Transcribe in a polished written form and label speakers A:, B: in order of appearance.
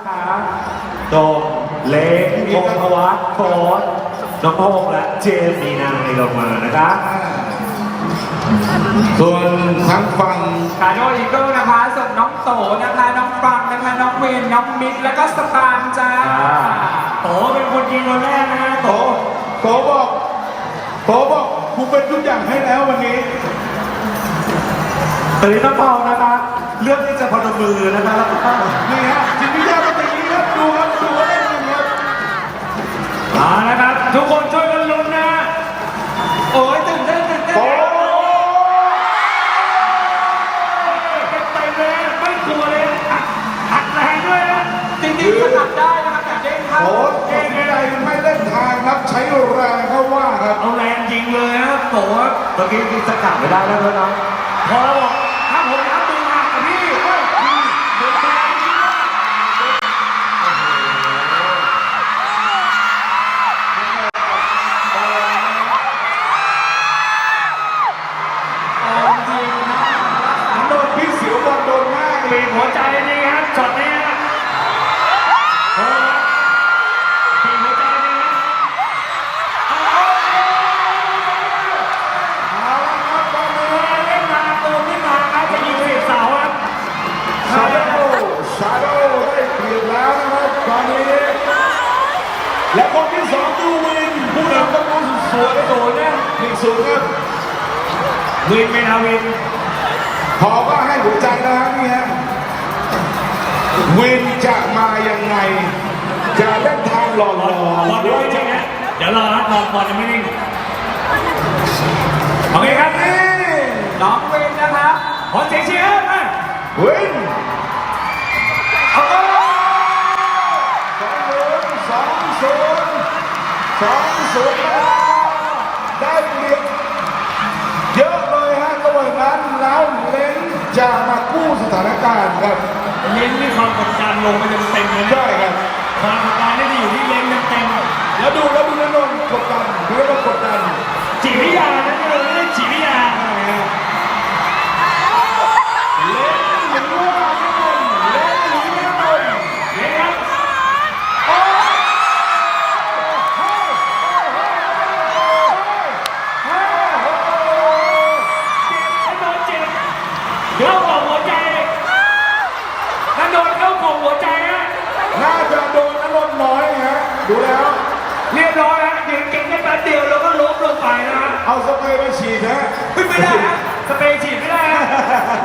A: นะคะโดมเล็กพงศ์วัฒน์โค้ดน้องพงษ์และเจมส์มีนาในลงมานะคะ
B: ส่วนทางฝั่ง
C: คาโนอีเกิลนะคะส่งน้องโตนะคะน้องฟังนะคะน้องเวนน้องมิกแล้วก็สตางค์จ้า
A: โตเป็นคนยิงคนแรกนะฮะโต
B: โตบอกกูเป็นทุกอย่างให้แล้ววันนี้
A: ตอนนี้น้องเปานะคะเลือกที่จะพนมมือนะคะแล้วก็
B: นี่ฮะจิตวิทยาเป็นอย่างนี้ครับดูครับดูเล่นกันครับ
A: มานะครับทุกคนช่วยกันลุ้นนะ
C: โอ้ยตื่นเต้นตื่นเต้น
B: โต
A: ไปเลยไม่กลัวเลยอัดแรงด้วยนะ
C: จริงๆถนัดได้นะคะแต่เด้งเข้า
B: โตเก่งใจไม่เล่นทางครับใช้แรงเข้าว่าครับ
A: เอาแรงยิงเลยนะโตเมื่อกี้จะกลับไม่ได้แล้วด้วยนะพอแล้วบอกถ้าผมรับมือหักกับพี่เฮ้ยพี่เดินไปจริงๆ
C: จริงนะ
B: โดนพี่เสียวบอลโดนมาก
A: ปีบหัวใจนี่ครับช็อตนี้ฮะโอ้ปีบหัวใจนี่ฮะ
B: เอาละครับตอนนี้
A: เล่นมาเติมขึ้นมาครับจะยิงเสียบเสาครับ
B: ชาโดได้เปลี่ยนแล้วนะครับตอนนี้และคนที่สองดูวินผู้นำตะลุนสวยโดนเนี่ย1-0ครับ
A: วินเมนาวิน
B: พอก็ให้หัวใจแล้วฮะนี่ฮะวินจะมายังไง จะเล่นทางหล่อ
A: บอลยังไม่นิ่งนะเดี๋ยวรอนะบอลยังไม่นิ่งโอเคครับ
B: นี่
C: น้องเวนนะคะ
A: ขอเสียงเชียร์มา
B: วิน
A: เอา
B: 2-0ได้เปรียบเยอะเลยฮะระหว่างนั้นแล้วเล้นจะมากู้สถานการณ์ครับ
A: เล้นนี่ความกดดันลงไปเต็มๆเลยนะ
B: ได้ครับ
A: ความกดดันนี่จะอยู่ที่เล้นเต็มๆ
B: แล้วดูนนท์กดดันดูนนท์กดดัน
A: จิตวิทยานะนี่เราไม่ได้จิตวิทยา
B: เล่นหรือว่านนท์เล่นหรือนนท์
A: เห็นครับ
B: โอ้
A: ไอ้โดนเจ็บเข้าของหัวใจถ้าโดนเข้าของหัวใจฮะ
B: น่าจะโดนนนท์น้อยฮะดูแล้ว
A: เรียบร้อยฮะยืนเก่งแค่แป๊บเดียวแล้วก็ล้มลงไปนะฮะ
B: เอาสเปรย์มาฉีดฮะ
A: ไม่ได้ฮะสเปรย์ฉีดไม่ได้ฮะ